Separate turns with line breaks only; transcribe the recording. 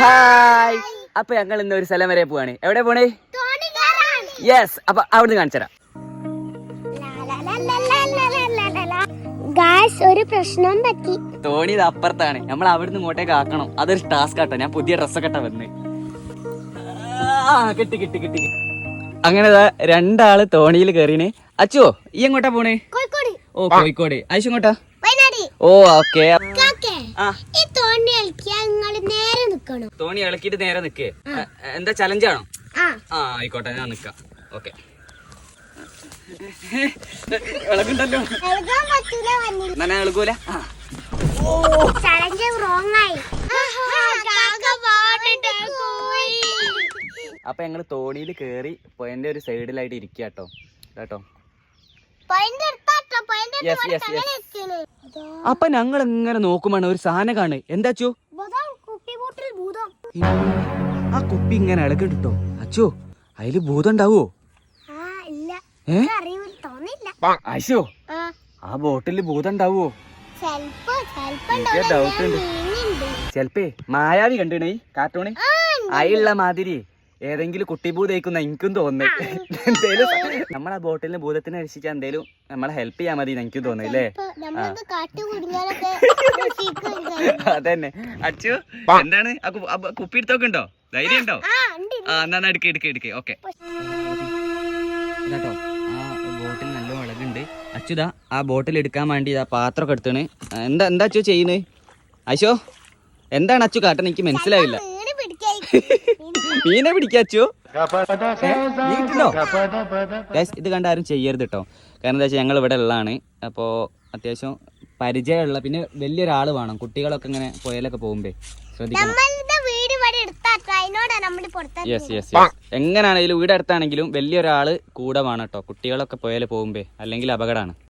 Hi. അപ്പൊ ഞങ്ങൾ ഇന്ന് ഒരു സ്ഥലം വരെ പോവാണ്. എവിടെ പോണേ? യെസ്. അപ്പൊ അവിടുന്ന് കാണിച്ചരാം.
ഒരു പ്രശ്നം പറ്റി.
തോണി ഇത് അപ്പുറത്താണ്. നമ്മൾ അവിടുന്ന് ഇങ്ങോട്ടേക്ക് ആക്കണം. അതൊരു ടാസ്ക് ആട്ടോ. ഞാൻ പുതിയ ഡ്രസ്സൊക്കെ ഇട്ടാ വന്ന്. കിട്ടി കിട്ടി കിട്ടി. അങ്ങനെ രണ്ടാള് തോണിയിൽ കയറിന്. അച്ചുവോ ഈ എങ്ങോട്ടാ പോണേ? ഓ കോഴിക്കോട്. ആയിഷ എങ്ങോട്ടാ? ഓ ഓക്കെ. തോണി ഇളക്കിട്ട് നേരെ നിക്കേ. എന്താ ചലഞ്ചാണോ? ആയിക്കോട്ടെ, ഞാൻ നിക്കാം. ഓക്കെ. ഇളകുണ്ടല്ലോ. എന്നാ ഇളകൂല. അപ്പൊ ഞങ്ങള് തോണിയിൽ കേറി പോയിന്റെ ഒരു സൈഡിലായിട്ട് ഇരിക്കാട്ടോ കേട്ടോ. അപ്പൊ ഞങ്ങൾ ഇങ്ങനെ നോക്കുമ്പോണ് ഒരു സാധനം കാണ്. എന്താച്ചു? ആ കുപ്പി ഇങ്ങനെ ഇളകിട്ടോ. അച്ചോ അതില് ഭൂതം ഉണ്ടാവോ? അശോ ആ ബോട്ടില് ഭൂതം ഉണ്ടാവോ? ഡൗട്ട് ഉണ്ട്. ചെലപ്പേ മായാവി കണ്ടിണേ കാർട്ടൂണ് അയുള്ള മാതിരി ഏതെങ്കിലും കുട്ടി ഭൂതയിക്കുന്ന എനിക്കും തോന്നുന്നു. എന്തേലും നമ്മളാ ബോട്ടിലിന് ഭൂതത്തിനെ രക്ഷിക്കാൻ എന്തേലും നമ്മളെ ഹെൽപ്പ് ചെയ്യാൻ മതി എനിക്കും തോന്നുന്നല്ലേ. അതന്നെ. അച്ചു എന്താണ് കുപ്പി എടുത്തൊക്കെ ഉണ്ടോ? ധൈര്യം ഉണ്ടോ? എന്നാ എടുക്കേ. ഓക്കെ കേട്ടോ. ആ ബോട്ടിൽ നല്ല മുളകുണ്ട്. അച്ചുതാ ആ ബോട്ടിൽ എടുക്കാൻ വേണ്ടി ആ പാത്രമൊക്കെ എടുത്താണ്. എന്താ അച്ചു ചെയ്യുന്നത്? അശോ എന്താണ് അച്ചു കാട്ടൻ? എനിക്ക് മനസ്സിലായില്ല. മീനെ പിടിക്കാച്ചു. ഇത് കണ്ട ആരും ചെയ്യരുത് കേട്ടോ. കാരണം എന്താ വെച്ചാൽ ഞങ്ങൾ ഇവിടെ ഉള്ളതാണ്. അപ്പോൾ അത്യാവശ്യം പരിചയമുള്ള പിന്നെ വലിയൊരാൾ വേണം. കുട്ടികളൊക്കെ ഇങ്ങനെ പുഴയിലൊക്കെ പോകുമ്പേ ശ്രദ്ധിക്കണം. എങ്ങനെയാണെങ്കിലും വീട് അടുത്താണെങ്കിലും വലിയൊരാള് കൂടെ വേണം കേട്ടോ. കുട്ടികളൊക്കെ പുഴയിൽ പോകുമ്പേ അല്ലെങ്കിൽ അപകടമാണ്.